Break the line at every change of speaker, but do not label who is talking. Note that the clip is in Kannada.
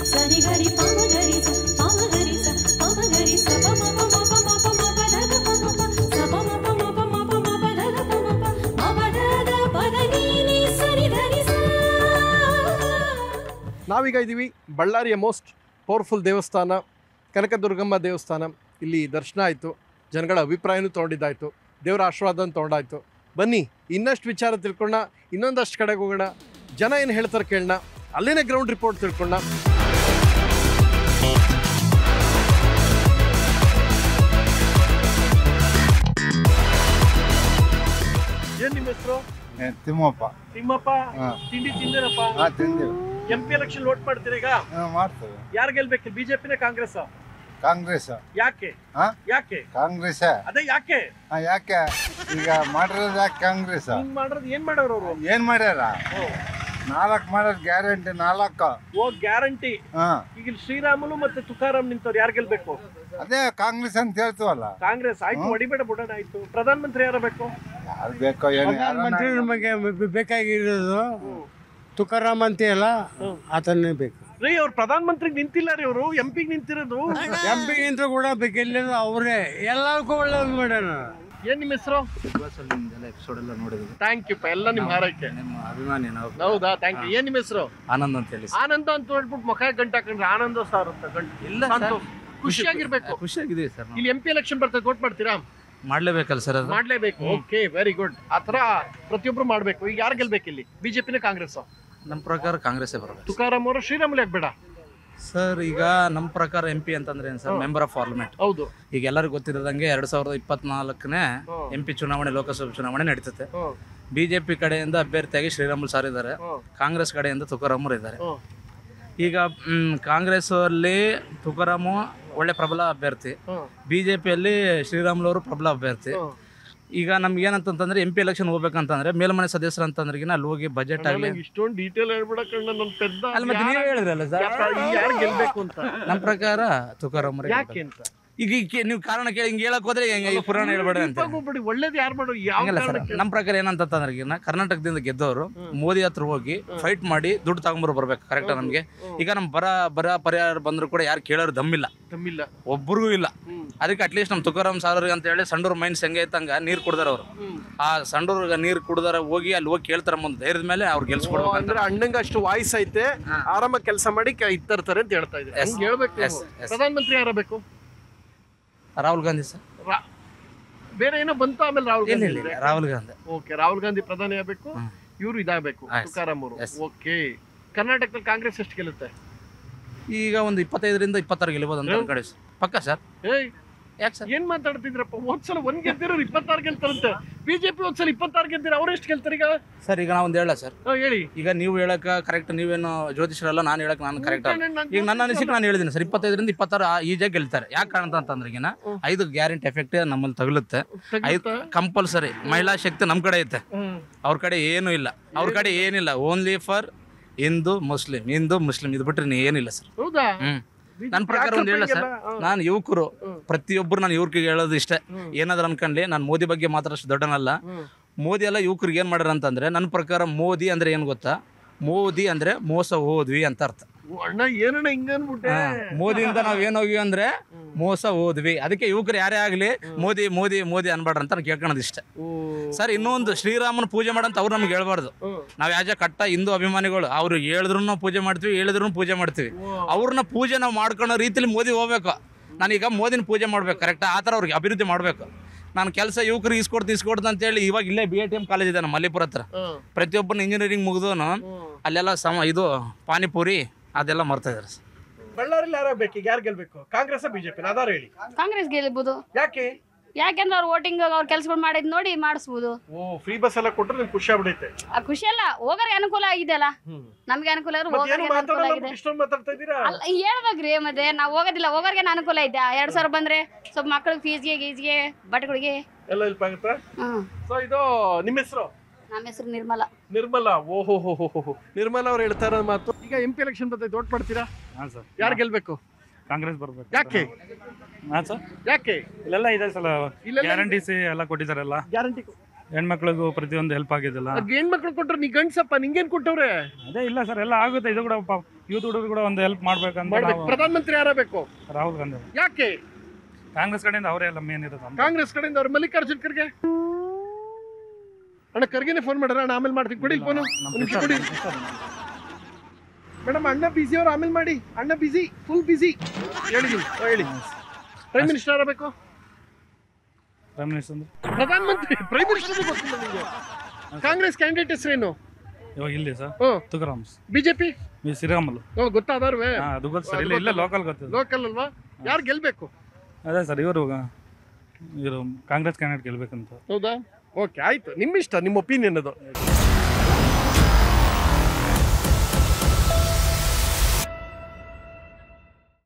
ನಾವೀಗ ಇದ್ದೀವಿ ಬಳ್ಳಾರಿಯ ಮೋಸ್ಟ್ ಪವರ್ಫುಲ್ ದೇವಸ್ಥಾನ ಕನಕದುರ್ಗಮ್ಮ ದೇವಸ್ಥಾನ. ಇಲ್ಲಿ ದರ್ಶನ ಆಯಿತು, ಜನಗಳ ಅಭಿಪ್ರಾಯನೂ ತೊಗೊಂಡಿದ್ದಾಯಿತು, ದೇವರ ಆಶೀರ್ವಾದನ ತೊಗೊಂಡಾಯಿತು. ಬನ್ನಿ ಇನ್ನಷ್ಟು ವಿಚಾರ ತಿಳ್ಕೊಳ್ಳೋಣ, ಇನ್ನೊಂದಷ್ಟು ಕಡೆಗೆ ಹೋಗೋಣ, ಜನ ಏನು ಹೇಳ್ತಾರೆ ಕೇಳೋಣ, ಅಲ್ಲಿನೇ ಗ್ರೌಂಡ್ ರಿಪೋರ್ಟ್ ತಿಳ್ಕೊಳ್ಳೋಣ. ಏನು ನಿಮ್ಮ ಹೆಸರು?
ತಿಮ್ಮಪ್ಪ.
ತಿಮ್ಮಪ್ಪ, ತಿಂಡಿ ತಿಂದಿರಪ್ಪ?
ತಿಂದಿವಿ.
MP ಎಲೆಕ್ಷನ್ ವೋಟ್ ಮಾಡ್ತೀರಾ ಈಗ?
ಮಾಡ್ತೇವೆ.
ಯಾರು ಗೆಲ್ಬೇಕು, ಬಿಜೆಪಿನ ಕಾಂಗ್ರೆಸ್?
ಕಾಂಗ್ರೆಸ್.
ಯಾಕೆ? ಯಾಕೆ
ಕಾಂಗ್ರೆಸ್?
ಅದೇ ಯಾಕೆ?
ಯಾಕೆ ಈಗ ಮಾಡಿರೋದು ಯಾಕೆ ಕಾಂಗ್ರೆಸ್?
ಮಾಡೋದು ಏನ್ ಮಾಡೋರು ಅವರು?
ಏನ್ ಮಾಡ್ಯಾರ? 4 ಮಾಡೋದು ಗ್ಯಾರಂಟಿ 4.
ಓ ಗ್ಯಾರಂಟಿ. ಈಗ ಶ್ರೀರಾಮುಲು ಮತ್ತೆ ತುಕಾರಾಮ್ ನಿಂತವ್ರು, ಯಾರು ಗೆಲ್ಬೇಕು?
ಅದೇ ಕಾಂಗ್ರೆಸ್ ಅಂತ ಹೇಳ್ತೀವಲ್ಲ.
ಕಾಂಗ್ರೆಸ್ ಆಯ್ತು, ಹೊಡಿಬೇಡ ಬಿಡೋಣ ಆಯ್ತು. ಪ್ರಧಾನ ಮಂತ್ರಿ ಯಾರು ಬೇಕು?
ಯಾರು ಬೇಕೋ ಏನು?
ಮಂತ್ರಿ ನಮಗೆ ಬೇಕಾಗಿರೋದು ತುಕಾರಾಮ್ ಅಂತ ಅಲ್ಲ, ಆತನೇ ಬೇಕು
ರೀ. ಅವ್ರು ಪ್ರಧಾನ ಮಂತ್ರಿಗೆ ನಿಂತಿಲ್ಲ ರೀ, ಅವರು MP ನಿಂತಿರೋದು.
MP ನಿಂತರೂ ಕೂಡ ಬೇಕಿಲ್ಲ, ಅವರೇ ಎಲ್ಲಕ್ಕೂ ಒಳ್ಳೇದು ಮಾಡ್ಯಾರ.
ಏನ್ ನಿಮ್ಮ ಹೆಸರು?
ಎಪಿಸೋಡ್ ಎಲ್ಲ ನೋಡಿದ್ವಿ.
Thank you. ಎಲ್ಲ ನಿಮ್ಮ ಹಾರೈಕೆ,
ನಿಮ್ಮ ಅಭಿಮಾನಿ ನಾವು.
ಹೌದಾ? Thank you. ಏನ್ ನಿಮ್ಮ ಹೆಸರು?
ಆನಂದ್ ಅಂತ ಹೇಳಿ.
ಆನಂದ ಅಂತ ಹೇಳ್ಬಿಟ್ಟು ಮುಖ ಗಂಟೆ ಹಾಕೊಂಡ್ರೆ ಆನಂದ ಸಾರ್ ಅಂತ ಗಂಟು
ಇಲ್ಲ,
ಖುಷಿಯಾಗಿರ್ಬೇಕು.
ಖುಷಿಯಾಗಿದ್ದೀವಿ ಸರ್.
ಇಲ್ಲಿ MP ಎಲೆಕ್ಷನ್ ಬರ್ತದೆ, ವೋಟ್ ಮಾಡ್ತೀರಾ?
ಮಾಡ್ಲೇಬೇಕಲ್ಲ ಸರ್, ಅದು
ಮಾಡ್ಲೇಬೇಕು. Okay, very good. ಆತರ ಪ್ರತಿಯೊಬ್ರು ಮಾಡ್ಬೇಕು. ಈಗ ಯಾರು ಗೆಲ್ಬೇಕು ಇಲ್ಲಿ, ಬಿಜೆಪಿನ ಕಾಂಗ್ರೆಸ್?
ನಮ್ಮ ಪ್ರಕಾರ ಕಾಂಗ್ರೆಸ್ಸೇ ಬರಬೇಕು.
ತುಕಾರಾಮ್ ಅವರು ಶ್ರೀರಾಮುಲು ಯಾಕೆ ಬೇಡ
ಸರ್? ಈಗ ನಮ್ಮ ಪ್ರಕಾರ MP ಅಂತಂದ್ರೆ ಏನು ಸರ್? Member of parliament.
ಹೌದು.
ಈಗ ಎಲ್ಲರಿಗೂ ಗೊತ್ತಿರೋದಂಗೆ 2024ನೇ MP ಚುನಾವಣೆ, ಲೋಕಸಭೆ ಚುನಾವಣೆ ನಡೀತದೆ. ಬಿಜೆಪಿ ಕಡೆಯಿಂದ ಅಭ್ಯರ್ಥಿಯಾಗಿ ಶ್ರೀರಾಮುಲು ಸಾರ್ ಇದ್ದಾರೆ, ಕಾಂಗ್ರೆಸ್ ಕಡೆಯಿಂದ ತುಕಾರಾಮರು ಇದ್ದಾರೆ. ಈಗ ಕಾಂಗ್ರೆಸ್ ಅಲ್ಲಿ ತುಕಾರಾಮು ಒಳ್ಳೆ ಪ್ರಬಲ ಅಭ್ಯರ್ಥಿ, ಬಿಜೆಪಿಯಲ್ಲಿ ಶ್ರೀರಾಮುಲು ಅವರು ಪ್ರಬಲ ಅಭ್ಯರ್ಥಿ. ಈಗ ನಮ್ಗೆ ಏನಂತಂದ್ರೆ MP ಎಲೆಕ್ಷನ್ ಹೋಗ್ಬೇಕಂತಂದ್ರೆ ಮೇಲ್ಮನೆ ಸದಸ್ಯರು ಅಂತಂದ್ರೆ ಅಲ್ಲಿ ಹೋಗಿ ಬಜೆಟ್ ಆಗಲಿ
ಇಷ್ಟೊಂದು ಡೀಟೇಲ್ ಹೇಳ್ಬಿಡಕಣ್ಣ, ನನ್ನ ಪೆದ್ದ.
ಅಲ್ಲಿ ಮತ್ತೆ ನೀವೇ ಹೇಳಿದ್ರಲ್ಲ ಸರ್,
ಯಾರು ಗೆಲ್ಬೇಕು ಅಂತ.
ನಮ್ಮ ಪ್ರಕಾರ ತುಕಾರಾಮ್.
ಯಾಕೆ ಅಂತ
ಈಗ ನೀವು ಕಾರಣ ಕೇಳಿ ಹಿಂಗೆ ಹೇಳಕ್ ಹೋದ್ರೆ ಪುರಾಣ ಹೇಳ್ಬೇಡ ಅಂತ.
ಒಳ್ಳೇದು ಯಾರು ಮಾಡೋ?
ನಮ್ಮ ಪ್ರಕಾರ ಏನಂತಂದ್ರೆ ಕರ್ನಾಟಕದಿಂದ ಗೆದ್ದವರು ಮೋದಿ ಹತ್ರ ಹೋಗಿ ಫೈಟ್ ಮಾಡಿ ದುಡ್ಡು ತಗೊಂಬರು ಬರ್ಬೇಕು. ಕರೆಕ್ಟಾ? ನಮ್ಗೆ ಈಗ ನಮ್ ಬರ ಪರಿಹಾರ ಬಂದ್ರು ಕೂಡ ಯಾರು ಕೇಳೋರು ದಮ್ಮಿಲ್ಲ, ಒಬ್ಬರಿಗೂ ಇಲ್ಲ. ಅದಕ್ಕೆ ಅಟ್ಲೀಸ್ಟ್ ನಮ್ ತುಕಾರಾಮ್ ಸಾರ್ ಅಂತ ಹೇಳಿ ಸಂಡೂರ್ ಮೈನ್ಸ್ ಹೆಂಗೆ ಐತಂಗ ನೀರ್ ಕುಡ್ದಾರ ಅವರು. ಆ ಸಂಡೂರ್ಗ ನೀರ್ ಕುಡ್ದಾರ ಹೋಗಿ ಅಲ್ಲಿ ಹೋಗಿ ಕೇಳ್ತಾರ ಮುಂದೆ ಧೈರ್ಯದ ಮೇಲೆ ಅವ್ರು ಗೆಲ್ಸ್ಕೊಡ್ಬೇಕು.
ಅಂದ್ರೆ ಅಣ್ಣಂಗ ಅಷ್ಟು ವಾಯ್ಸ್ ಐತೆ, ಆರಾಮ ಕೆಲಸ ಮಾಡಿ ಇತ್ತರ್ತಾರೆ ಅಂತ ಹೇಳ್ತಾ ಇದ್ದಾರೆ. ಹೇಳ್ಬೇಕು. ಪ್ರಧಾನ ಮಂತ್ರಿ ಯಾರ ಬೇಕು?
ರಾಹುಲ್ ಗಾಂಧಿ ಸರ್.
ಬೇರೆ ಏನೋ ಬಂತು ಆಮೇಲೆ ರಾಹುಲ್ ಗಾಂಧಿ.
ರಾಹುಲ್ ಗಾಂಧಿ.
ಓಕೆ, ರಾಹುಲ್ ಗಾಂಧಿ ಪ್ರಧಾನಿ ಆಗ್ಬೇಕು, ಇವರು ಇದಾಗಬೇಕು, ತುಕಾರಾಮ್ ಅವರು. ಓಕೆ, ಕರ್ನಾಟಕದಲ್ಲಿ ಕಾಂಗ್ರೆಸ್ ಎಷ್ಟು ಗೆಲ್ಲುತ್ತೆ?
ಈಗ ಒಂದು 25ರಿಂದ 26 ಗೆಲ್ಬಹುದು ಅಂತ ಕಡೆ ಪಕ್ಕ ಸರ್. ಯಾಕೆ ಸರ್
ಏನ್ ಮಾತಾಡ್ತಿದ್ರಪ್ಪ? ಒಂದ್ಸಲ 1 ಗೆದ್ದಿರೋ 26 ಗೆಲ್ತಾರಂತೆ. ಬಿಜೆಪಿ ಒಂದ್ಸಲ 26 ಗೆದ್ದಿರ, ಅವ್ರು ಎಷ್ಟು ಗೆಲ್ತಾರೆ ಈಗ?
ಸರ್ ಈಗ ನಾವೊಂದು ಹೇಳ ಸರ್,
ಹೇಳಿ.
ಈಗ ನೀವು ಹೇಳಕ್ ಕರೆಕ್ಟ್, ನೀವೇನು ಜ್ಯೋತಿಷರಲ್ಲ, ನಾನು ಹೇಳಕ್ ನಾನು ಕರೆಕ್ಟ್. ಈಗ ನನ್ನ ಅನಿಸಿಕೆ ನಾನು ಹೇಳಿದ್ದೀನಿ ಸರ್, 25ರಿಂದ 26 ಈಜಾಗಿ ಗೆಲ್ತಾರೆ. ಯಾಕೆ ಕಾರಣ ಅಂತಂದ್ರೆ ಈಗ 5 ಗ್ಯಾರಂಟಿ ಎಫೆಕ್ಟ್ ನಮ್ಮಲ್ಲಿ ತಗುಲುತ್ತೆ. 5 ಕಂಪಲ್ಸರಿ. ಮಹಿಳಾ ಶಕ್ತಿ ನಮ್ ಕಡೆ ಐತೆ, ಅವ್ರ ಕಡೆ ಏನು ಇಲ್ಲ. ಅವ್ರ ಕಡೆ ಏನಿಲ್ಲ, ಓನ್ಲಿ ಫಾರ್ ಹಿಂದೂ ಮುಸ್ಲಿಂ ಇದು ಬಿಟ್ರೆ ಏನಿಲ್ಲ ಸರ್.
ಹೌದಾ?
ನನ್ನ ಪ್ರಕಾರ ಒಂದು ಹೇಳ ಸರ್, ನಾನು ಯುವಕರು ಪ್ರತಿಯೊಬ್ಬರು ನಾನು ಯುವಕರಿಗೆ ಹೇಳೋದು ಇಷ್ಟೇ, ಏನಾದ್ರು ಅನ್ಕೊಂಡ್ಲಿ ನಾನು ಮೋದಿ ಬಗ್ಗೆ ಮಾತ್ರ ಅಷ್ಟು ದೊಡ್ಡನಲ್ಲ. ಮೋದಿ ಎಲ್ಲ ಯುವಕರಿಗೆ ಏನು ಮಾಡ್ಯಾರ ಅಂತಂದ್ರೆ, ನನ್ನ ಪ್ರಕಾರ ಮೋದಿ ಅಂದ್ರೆ ಏನು ಗೊತ್ತಾ? ಮೋದಿ ಅಂದ್ರೆ ಮೋಸ ಹೋದ್ವಿ ಅಂತ ಅರ್ಥ.
ಅಣ್ಣ ಏನಣ್ಣ ಹಿಂಗನ್ಬಿಟ್ಟೆ?
ಮೋದಿಯಿಂದ ನಾವ್ ಏನ್ ಹೋಗಿವಿ ಅಂದ್ರೆ ಮೋಸ ಹೋದ್ವಿ. ಅದಕ್ಕೆ ಯುವಕರು ಯಾರೇ ಆಗ್ಲಿ ಮೋದಿ ಮೋದಿ ಮೋದಿ ಅನ್ಬಾರ್ದು ಅಂತ ಕೇಳ್ಕೊಳೋದು ಇಷ್ಟ ಸರ್. ಇನ್ನೊಂದು, ಶ್ರೀರಾಮನ ಪೂಜೆ ಮಾಡಂತ ಅವ್ರು ನಮ್ಗೆ ಹೇಳ್ಬಾರ್ದು. ನಾವ್ ಯಾಜ ಕಟ್ಟ ಹಿಂದೂ ಅಭಿಮಾನಿಗಳು, ಅವ್ರು ಹೇಳಿದ್ರು ನಾವು ಪೂಜೆ ಮಾಡ್ತೀವಿ, ಹೇಳಿದ್ರು ಪೂಜೆ ಮಾಡ್ತೀವಿ. ಅವ್ರನ್ನ ಪೂಜೆ ನಾವು ಮಾಡ್ಕೊಳ್ಳೋ ರೀತಿಲಿ ಮೋದಿ ಹೋಗ್ಬೇಕು. ನಾನೀಗ ಮೋದಿನ ಪೂಜೆ ಮಾಡ್ಬೇಕು, ಕರೆಕ್ಟಾ? ಆ ಥರ ಅವ್ರಿಗೆ ಅಭಿವೃದ್ಧಿ ಮಾಡ್ಬೇಕು. ನಾನು ಕೆಲಸ ಯುವಕರಿಗೆ ಇಸ್ಕೊಡ್ದು ಅಂತೇಳಿ ಇವಾಗ ಇಲ್ಲೇ BITM ಕಾಲೇಜ್ ಇದೆ ನಮ್ಮ ಮಲ್ಲಿಪುರ ಹತ್ರ. ಪ್ರತಿಯೊಬ್ಬನ ಇಂಜಿನಿಯರಿಂಗ್ ಮುಗಿದೋನು ಅಲ್ಲೆಲ್ಲ ಇದು ಪಾನಿಪುರಿ ಅದೆಲ್ಲ ಮರ್ತಾ ಇದಾರೆ ಸರ್.
ಬಳ್ಳಾರಿಯಲ್ಲಿ ಯಾರಾಗಬೇಕು? ಈಗ ಯಾರು ಗೆಲ್ಬೇಕು? ಕಾಂಗ್ರೆಸ್ ಬಿಜೆಪಿ? ಅದಾರ ಹೇಳಿ.
ಕಾಂಗ್ರೆಸ್ ಗೆಲ್ಬಹುದು.
ಯಾಕೆ?
ಯಾಕೆಂದ್ರೆ ಅವ್ರ ವೋಟಿಂಗ್ ಅವ್ರ ಕೆಲಸಗಳು ಮಾಡಿದ್ ನೋಡಿ ಮಾಡಿಸ್ಬೋದು.
ಫ್ರೀ ಬಸ್ ಎಲ್ಲ ಕೊಟ್ಟರೆ ನಿಮ್ಗೆ ಖುಷಿ ಆಗ್ಬಿಡೈತೆ?
ಖುಷಿ ಅಲ್ಲ, ಹೋಗೋರಿಗೆ ಅನುಕೂಲ ಆಗಿದೆ ಅಲ್ಲ, ನಮ್ಗೆ ಅನುಕೂಲ ಇದ್ರು ಹೋಗೋರಿಗೆ ಅನುಕೂಲ ಆಗಿದೆ. ಹೇಳ್ಬೇಕ್ರಿ, ಮತ್ತೆ ನಾವು ಹೋಗೋದಿಲ್ಲ, ಹೋಗೋರಿಗೆ ಅನುಕೂಲ ಐತೆ. 2000 ಬಂದ್ರೆ ಸ್ವಲ್ಪ ಮಕ್ಕಳಿಗೆ ಫೀಸ್ಗೆ ಗೀಸ್ಗೆ ಬಟ್ಟೆಗಳಿಗೆ
ಎಲ್ಲ ಹೆಲ್ಪ್ ಆಗುತ್ತೆ. ಸೊ ಇದು ನಿಮ್ಮ ಹೆಸರು?
ನಮ್ಮ ಹೆಸರು ನಿರ್ಮಲಾ.
ನಿರ್ಮಲಾ. ಓಹೋ ನಿರ್ಮಲಾ ಅವ್ರು ಹೇಳ್ತಾ ಇರೋ ಮಾತು. ಈಗ MP ಎಲೆಕ್ಷನ್ ಬರ್ತೈತೆ, ವೋಟ್ ಮಾಡ್ತೀರಾ? ಯಾರು ಗೆಲ್ಬೇಕು?
ಕಾಂಗ್ರೆಸ್ ಬರ್ಬೇಕು.
ಯಾಕೆ? ಯಾಕೆ?
ಇಲ್ಲೆಲ್ಲ ಇದೆ ಸಲ ಗ್ಯಾರಂಟೀಸ್ ಎಲ್ಲ ಕೊಟ್ಟಿದ್ದಾರಲ್ಲ.
ಗ್ಯಾರಂಟಿ
ಹೆಣ್ಮಕ್ಳಿಗೂ ಪ್ರತಿಯೊಂದು ಹೆಲ್ಪ್ ಆಗಿದೆಲ್ಲ.
ಹೆಣ್ಮಕ್ಳು ಕೊಟ್ರೆ ನೀ ಗಂಡ್ಸಪ್ಪ, ನಿಂಗೇನ್ ಕೊಟ್ಟವ್ರೆ?
ಅದೇ ಇಲ್ಲ ಸರ್, ಎಲ್ಲ ಆಗುತ್ತೆ. ಇದು ಕೂಡ ಯೂತ್ ಹುಡುಗರು ಕೂಡ ಒಂದು ಹೆಲ್ಪ್ ಮಾಡ್ಬೇಕಂತ ನಾವು.
ಪ್ರಧಾನಮಂತ್ರಿ ಯಾರಬೇಕು?
ರಾಹುಲ್ ಗಾಂಧಿ.
ಯಾಕೆ?
ಕಾಂಗ್ರೆಸ್ ಕಡೆಯಿಂದ ಅವರೇ ಎಲ್ಲ ಮೇನ್ ಇರೋದು.
ಕಾಂಗ್ರೆಸ್ ಕಡೆಯಿಂದ ಅವ್ರು ಮಲ್ಲಿಕಾರ್ಜುನ್ ಖರ್ಗೆ. ಅಣ್ಣ ಖರ್ಗೆನೆ ಫೋನ್ ಮಾಡ್ರ, ಅಣ್ಣ ಆಮೇಲೆ ಮಾಡ್ತೀನಿ, ಕೊಡಿ ಫೋನು. ಕೊಡಿ ಮೇಡಮ್, ಅಣ್ಣ ಬಿಸಿ ಅವ್ರು, ಆಮೇಲೆ ಮಾಡಿ. ಅಣ್ಣ ಬಿಸಿ, ಫುಲ್ ಬಿಸಿ. ಹೇಳಿ ಪ್ರೈಮ್ ಮಿನಿಸ್ಟರ್ ಯಾರಬೇಕು?
ಪ್ರೈಮ್ ಮಿನಿಸ್ಟರ್ ಅಂದ್ರೆ
ಪ್ರಧಾನಮಂತ್ರಿ. ಪ್ರೈಮ್ ಮಿನಿಸ್ಟರ್ ಗೊತ್ತಿಲ್ಲ ನಿಮಗೆ? ಕಾಂಗ್ರೆಸ್ ಕ್ಯಾಂಡಿಡೇಟ್ ಹೆಸರೇನು?
ಇವಾಗ ಇಲ್ಲಿ ಸರ್ ತುಕಾರಾಮ್.
ಬಿಜೆಪಿ
ಶ್ರೀರಾಮುಲು
ಗೊತ್ತಾದವ್ರೆ?
ಅದು ಗೊತ್ತು ಸರ್, ಇಲ್ಲ ಲೋಕಲ್ ಗೊತ್ತಿದೆ.
ಲೋಕಲ್ ಅಲ್ವಾ? ಯಾರು ಗೆಲ್ಬೇಕು?
ಅದೇ ಸರ್, ಇವರು ಕಾಂಗ್ರೆಸ್ ಕ್ಯಾಂಡಿಡೇಟ್ ಗೆಲ್ಬೇಕಂತ.
ಹೌದಾ? ಓಕೆ, ಆಯ್ತು, ನಿಮ್ಮ ಇಷ್ಟ, ನಿಮ್ಮ ಒಪಿನಿಯನ್ ಅದು.